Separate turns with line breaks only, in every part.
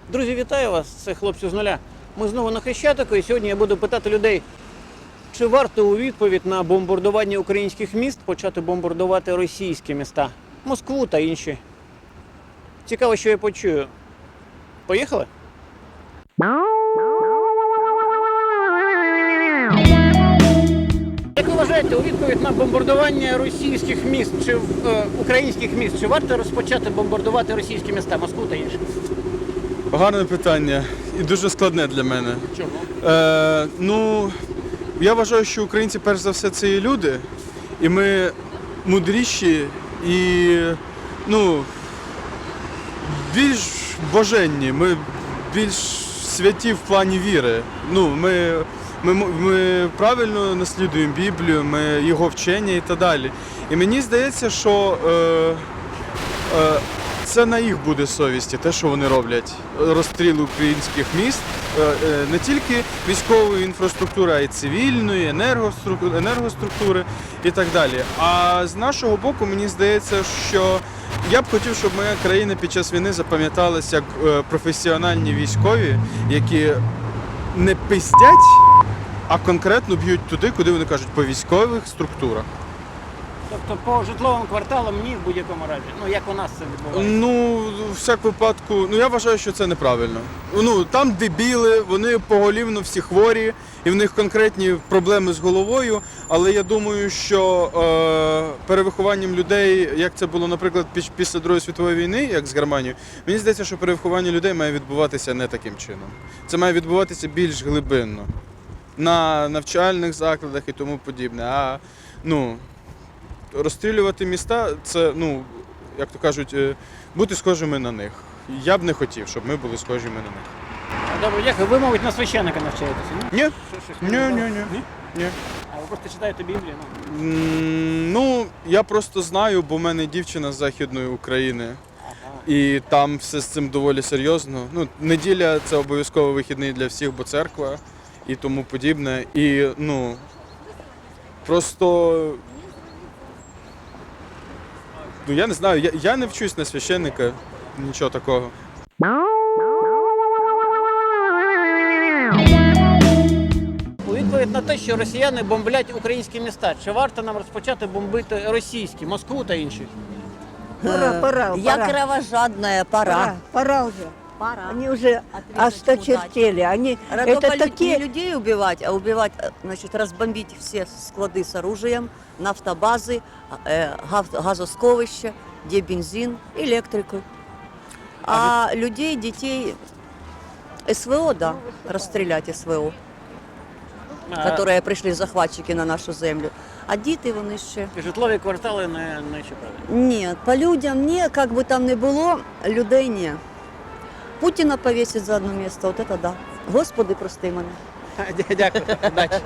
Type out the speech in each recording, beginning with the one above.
Друзі, вітаю вас! Це хлопці з нуля. Ми знову на Хрещатику, і сьогодні я буду питати людей, чи варто у відповідь на бомбардування українських міст почати бомбардувати російські міста, Москву та інші. Цікаво, що я почую. Поїхали? Як ви вважаєте, у відповідь на бомбардування російських міст чи українських міст, чи варто розпочати бомбардувати російські міста, Москву та інші?
Гарне питання і дуже складне для мене.
Чому?
Я вважаю, що українці перш за все це є люди, і ми мудріші і більш боженні, ми більш святі в плані віри. Ми правильно наслідуємо Біблію, ми його вчення і так далі. І мені здається, що це на їх буде совісті, те, що вони роблять. Розстріл українських міст, не тільки військової інфраструктури, а й цивільної, енергоструктури і так далі. А з нашого боку, мені здається, що я б хотів, щоб моя країна під час війни запам'яталась як професіональні військові, які не пиздять, а конкретно б'ють туди, куди вони кажуть, по військових структурах.
Тобто по житловим кварталам ні в будь-якому разі. Як у нас це відбувається?
В всяк випадку, я вважаю, що це неправильно. Там дебіли, вони поголівно всі хворі, і в них конкретні проблеми з головою, але я думаю, що перевихованням людей, як це було, наприклад, після Другої світової війни, як з Германією, мені здається, що перевиховання людей має відбуватися не таким чином. Це має відбуватися більш глибинно, на навчальних закладах і тому подібне. Розстрілювати міста – це, як то кажуть, бути схожими на них. Я б не хотів, щоб ми були схожими на них.
Добре, дякую. Ви, мабуть, на священника навчаєтеся, ні?
Ні.
Ні? А ви просто читаєте Біблію?
Я просто знаю, бо в мене дівчина з Західної України. І там все з цим доволі серйозно. Неділя – це обов'язково вихідний для всіх, бо церква і тому подібне. І, просто... Я не знаю, я не вчусь на священника, нічого такого.
У відповідь на те, що росіяни бомблять українські міста, чи варто нам розпочати бомбити російські, Москву та інші?
Пора.
Я кровожадная, пора.
Пора уже.
Пора.
Они уже осточертели. Они это
Не
такие.
людей убивать, а убивать, разбомбить все склады с оружием, нафтобазы, газосховища, где бензин, электрику. А людей, детей, СВО, да, расстрелять СВО, которые прийшли захватчики на нашу землю. А діти вони ще.
Житлові квартали не чіпали?
Ні, по людям ні, як би там не було, людей ні. Путіна повісить за одне місце, от це да. Господи, прости мене.
Дякую, удачі.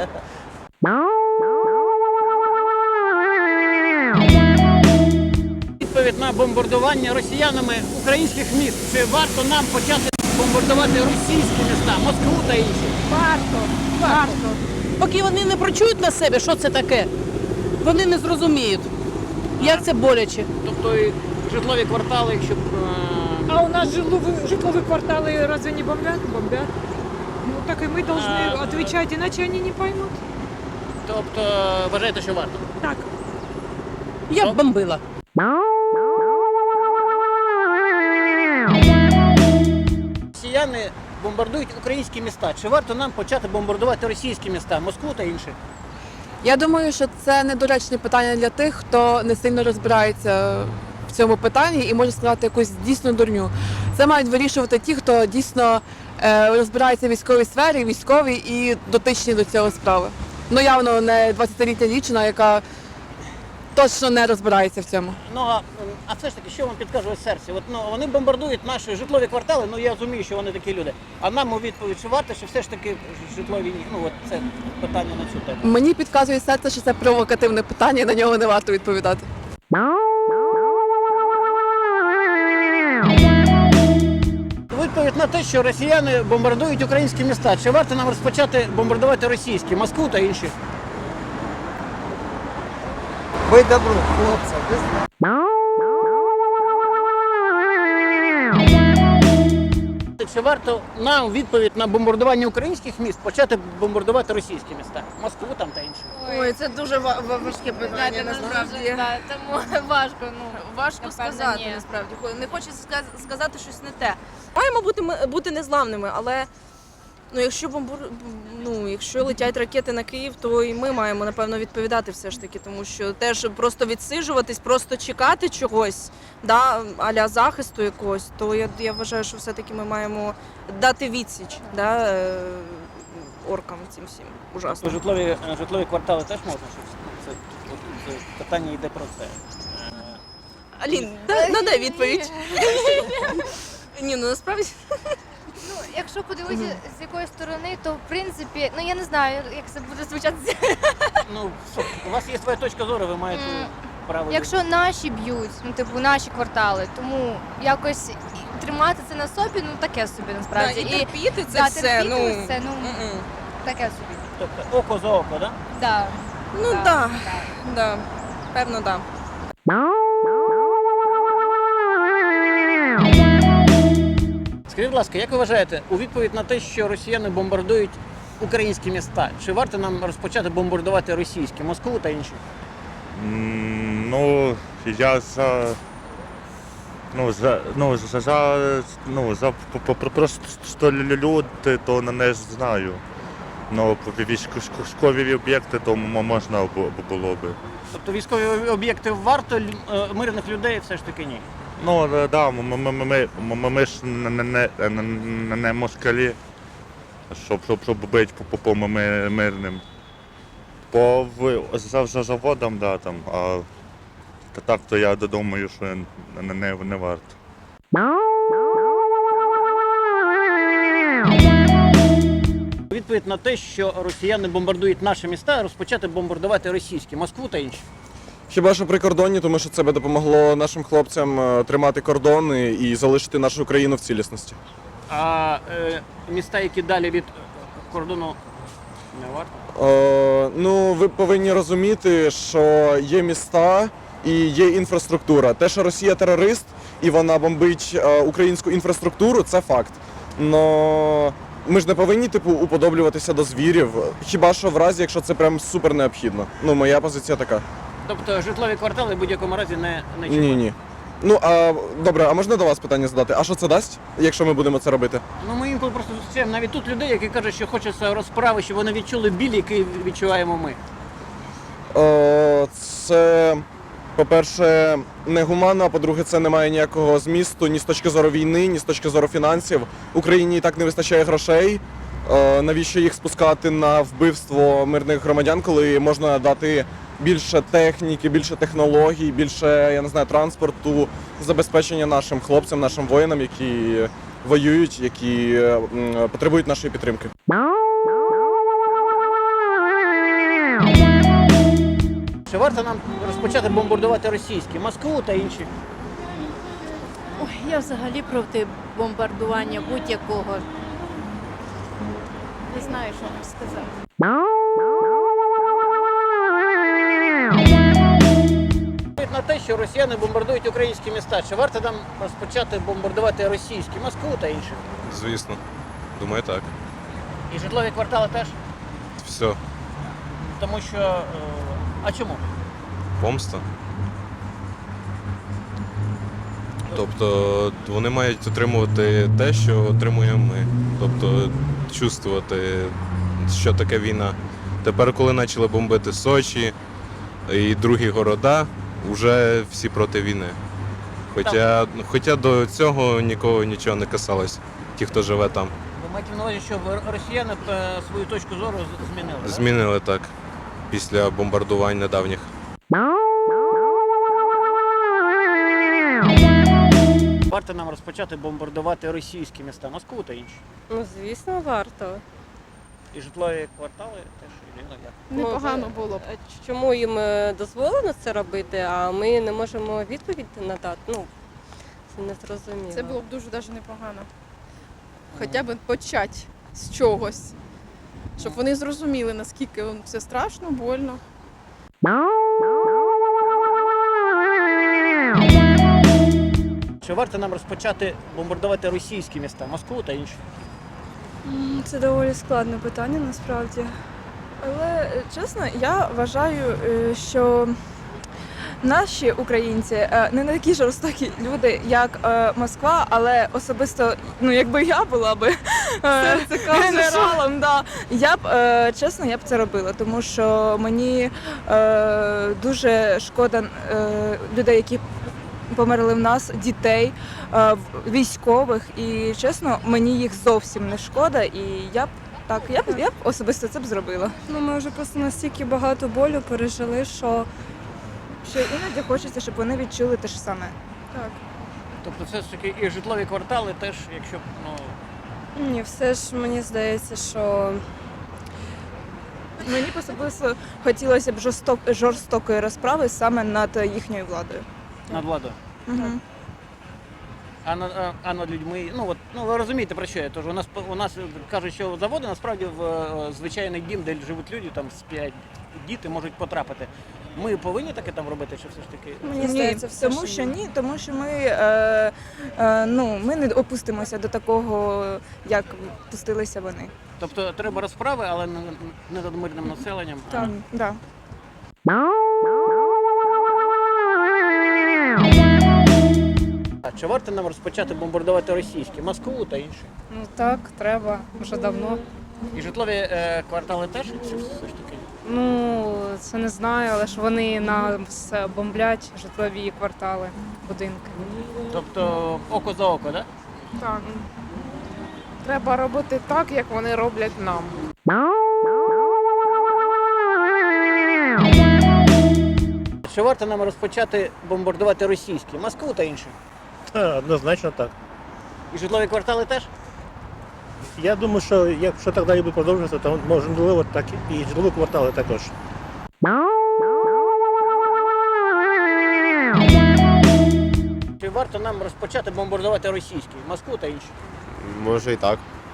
Відповідь на бомбардування росіянами українських міст. Чи варто нам почати бомбардувати російські міста, Москву та інші?
Варто. Поки вони не прочують на себе, що це таке, вони не зрозуміють, як це боляче.
Тобто і житлові квартали, якщо...
А у нас житловые кварталы разве не бомбят? Бомбят. Так и мы должны отвечать, иначе они не поймут.
Тобто вважаєте, що варто?
Так.
Я б бомбила.
Росіяни бомбардують українські міста. Чи варто нам почати бомбардувати російські міста, Москву та інші?
Я думаю, що це недоречне питання для тих, хто не сильно розбирається в цьому питанні і може сказати якусь дійсну дурню. Це мають вирішувати ті, хто дійсно розбирається в військовій сфері, військові і дотичні до цього справи. Явно не 20-літня дівчина, яка точно не розбирається в цьому.
А все ж таки, що вам підказує серце? Вони бомбардують наші житлові квартали, я розумію, що вони такі люди. А нам у відповідь, чи варто, що все ж таки житлові ні? Це питання на цю тему.
Мені підказує серце, що це провокативне питання, і на нього не варто відповідати.
Відповідь на те, що росіяни бомбардують українські міста. Чи варто нам розпочати бомбардувати російські, Москву та інші?
Ви добро, хлопці.
чи варто нам у відповідь на бомбардування українських міст почати бомбардувати російські міста? Москву там та інші.
Ой, це дуже важке питання, насправді.
Тому важко,
Важко
напевно,
сказати,
ні.
насправді. Не хочу сказати щось не те. Маємо бути незламними, але якщо летять ракети на Київ, то і ми маємо, напевно, відповідати все ж таки, тому що теж просто відсиджуватись, просто чекати чогось, да, а-ля захисту якогось, то я вважаю, що все-таки ми маємо дати відсіч, да, оркам цим всім. Ужасно.
Житлові квартали теж можна щось? Це питання йде про це.
Алін, надай відповідь. Ні, насправді.
якщо подивитися з якої сторони, то в принципі, я не знаю, як це буде звучати.
У вас є своя точка зору, ви маєте право.
Якщо наші б'ють, наші квартали, тому якось тримати це на собі, таке собі насправді.
І терпіти це все,
таке собі.
Тобто око за око, так?
Да.
Да, певно, да.
Скажіть, будь ласка, як ви вважаєте, у відповідь на те, що росіяни бомбардують українські міста, чи варто нам розпочати бомбардувати російські, Москву та інші?
Я за просто люди, то не знаю. Військові об'єкти, то можна було би.
Тобто військові об'єкти варто, мирних людей все ж таки ні?
Ми ж не москалі, щоб бити по мирним. По заводам, да, там, а так то я думаю, що не варто.
У відповідь на те, що росіяни бомбардують наші міста, розпочати бомбардувати російські, Москву та інші.
Хіба що прикордонні, тому що це би допомогло нашим хлопцям тримати кордони і залишити нашу країну в цілісності.
А міста, які далі від кордону, не варто?
Ви повинні розуміти, що є міста і є інфраструктура. Те, що Росія терорист і вона бомбить українську інфраструктуру, це факт. Но ми ж не повинні уподоблюватися до звірів, хіба що в разі, якщо це прям супер необхідно. Моя позиція така.
Тобто житлові квартали в будь-якому разі не чіпати?
Ні. Добре, а можна до вас питання задати? А що це дасть, якщо ми будемо це робити?
Ми інколи просто зустрічаємо навіть тут людей, які кажуть, що хочеться розправи, щоб вони відчули біль, який відчуваємо ми.
Це, по-перше, негуманно, а по-друге, це не має ніякого змісту ні з точки зору війни, ні з точки зору фінансів. Україні і так не вистачає грошей. Навіщо їх спускати на вбивство мирних громадян, коли можна дати більше техніки, більше технологій, більше, транспорту, забезпечення нашим хлопцям, нашим воїнам, які воюють, які потребують нашої підтримки.
Чи варто нам розпочати бомбардувати російські, Москву та інші?
Я взагалі проти бомбардування будь-якого. Не знаю, що вам сказати.
На те, що росіяни бомбардують українські міста, чи варто нам розпочати бомбардувати російські, Москву та інші?
Звісно. Думаю, так.
І житлові квартали теж?
Все.
Тому що... А чому?
Помста. Тобто вони мають отримувати те, що отримуємо ми. Тобто чувствувати, що таке війна. Тепер, коли почали бомбити Сочі і другі города, вже всі проти війни. Хоча до цього нікого нічого не касалось, ті, хто живе там.
Ви маєте на увазі, що росіяни свою точку зору змінили?
Змінили так, після бомбардувань недавніх.
Варто нам розпочати бомбардувати російські міста, Москву та інші?
Звісно, варто.
І житлові квартали теж?
Непогано було б. Чому їм дозволено це робити, а ми не можемо відповідь надати? Це не зрозуміло.
Це було б дуже навіть непогано. Хоча б почати з чогось, щоб вони зрозуміли, наскільки це страшно, больно.
Чи Чи варто нам розпочати бомбардувати російські міста, Москву та інші?
Це доволі складне питання насправді. Але чесно, я вважаю, що наші українці не такі жорстокі люди, як Москва, але особисто, ну якби я була би генералом, да, я б чесно, я б це робила, тому що мені дуже шкода людей, які померли в нас, дітей, військових, і чесно, мені їх зовсім не шкода, і я б особисто це б зробила.
Ну, ми вже просто настільки багато болю пережили, що
Іноді хочеться, щоб вони відчули те ж саме.
так.
Тобто все ж таки і житлові квартали теж, якщо б,
Ні, все ж мені здається, що
Мені б особисто хотілося б жорстокої розправи саме над їхньою владою.
над владою. А над людьми, ви розумієте, про що я. Тож у нас кажуть, що заводи насправді в звичайний дім, де живуть люди, там сплять діти, можуть потрапити. Ми повинні таке там робити, чи все ж таки?
мені здається, все
Тому що ми не опустимося до такого, як пустилися вони.
Тобто треба розправи, але не над мирним населенням.
Так, да.
А чи варто нам розпочати бомбардувати російські, Москву та інші?
Ну так, треба, вже давно.
І житлові квартали теж, чи все ж таки?
Ну, це не знаю, але ж вони нас бомблять, житлові квартали, будинки.
Тобто око за око, так?
Так. Треба робити так, як вони роблять нам.
Чи варто нам розпочати бомбардувати російські, Москву та інші?
Однозначно так.
І житлові квартали теж?
Я думаю, що якщо так далі буде продовжуватися, то можливо так і житлові квартали також.
Чи варто нам розпочати бомбардувати російські, Москву та інші?
Може і так.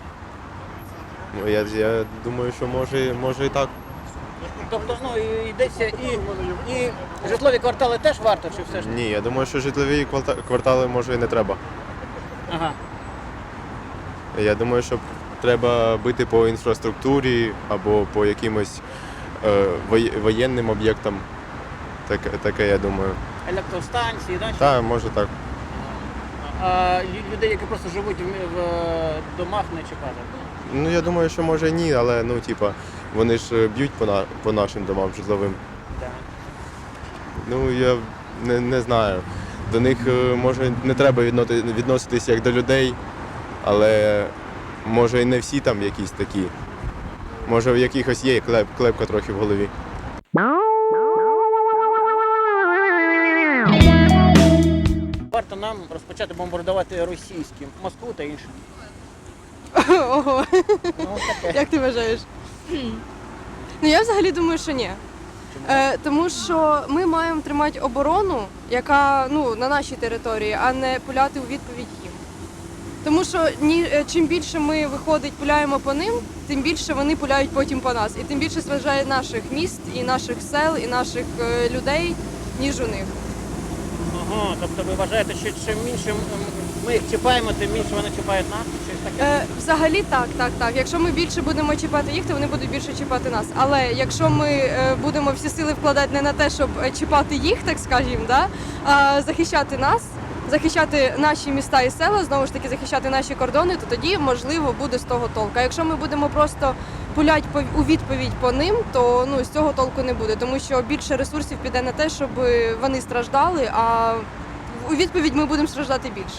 Я думаю, що може і так.
Тобто, йдеться і житлові квартали теж варто, чи все ж?
Ні, я думаю, що житлові квартали може і не треба.
Ага.
Я думаю, що треба бити по інфраструктурі або по якимось воєнним об'єктам. Таке, я думаю.
Електростанції, так?
Так, може так.
А людей, які просто живуть в домах, не чекати?
Ну, я думаю, що може ні, але вони ж б'ють по нашим домам житловим.
Так.
Ну, я не знаю. До них, може, не треба відноситись як до людей, але може і не всі там якісь такі. Може в якихось є клепка трохи в голові.
Варто нам розпочати бомбардувати російські, Москву та інші.
Ого, як ти вважаєш? Ну я взагалі думаю, що ні. Тому що ми маємо тримати оборону, яка на нашій території, а не пуляти у відповідь їм. Тому що чим більше ми, пуляємо по ним, тим більше вони пуляють потім по нас. І тим більше зважає наших міст, і наших сел, і наших людей, ніж у них.
Ага, тобто ви вважаєте, що чим більше ми їх чіпаємо, тим більше вони чіпають нас? Щось таке?
Взагалі так. Якщо ми більше будемо чіпати їх, то вони будуть більше чіпати нас. Але якщо ми будемо всі сили вкладати не на те, щоб чіпати їх, так скажімо, а захищати нас, захищати наші міста і села, знову ж таки захищати наші кордони, то тоді, можливо, буде з того толку. А якщо ми будемо просто пуляти у відповідь по ним, то з цього толку не буде, тому що більше ресурсів піде на те, щоб вони страждали, а у відповідь ми будемо страждати більше.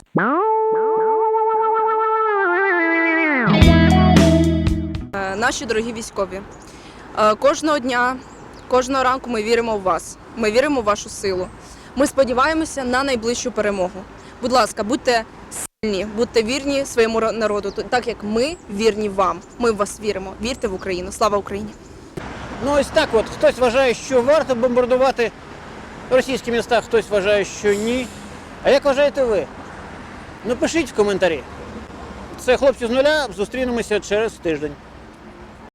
Наші дорогі військові, кожного дня, кожного ранку ми віримо в вас, ми віримо в вашу силу. Ми сподіваємося на найближчу перемогу. Будь ласка, будьте сильні, будьте вірні своєму народу, так як ми вірні вам. Ми в вас віримо. Вірте в Україну. Слава Україні!
Ну ось так от. Хтось вважає, що варто бомбардувати російські міста, хтось вважає, що ні. А як вважаєте ви? Напишіть в коментарі. Це «Хлопці з нуля». Зустрінемося через тиждень.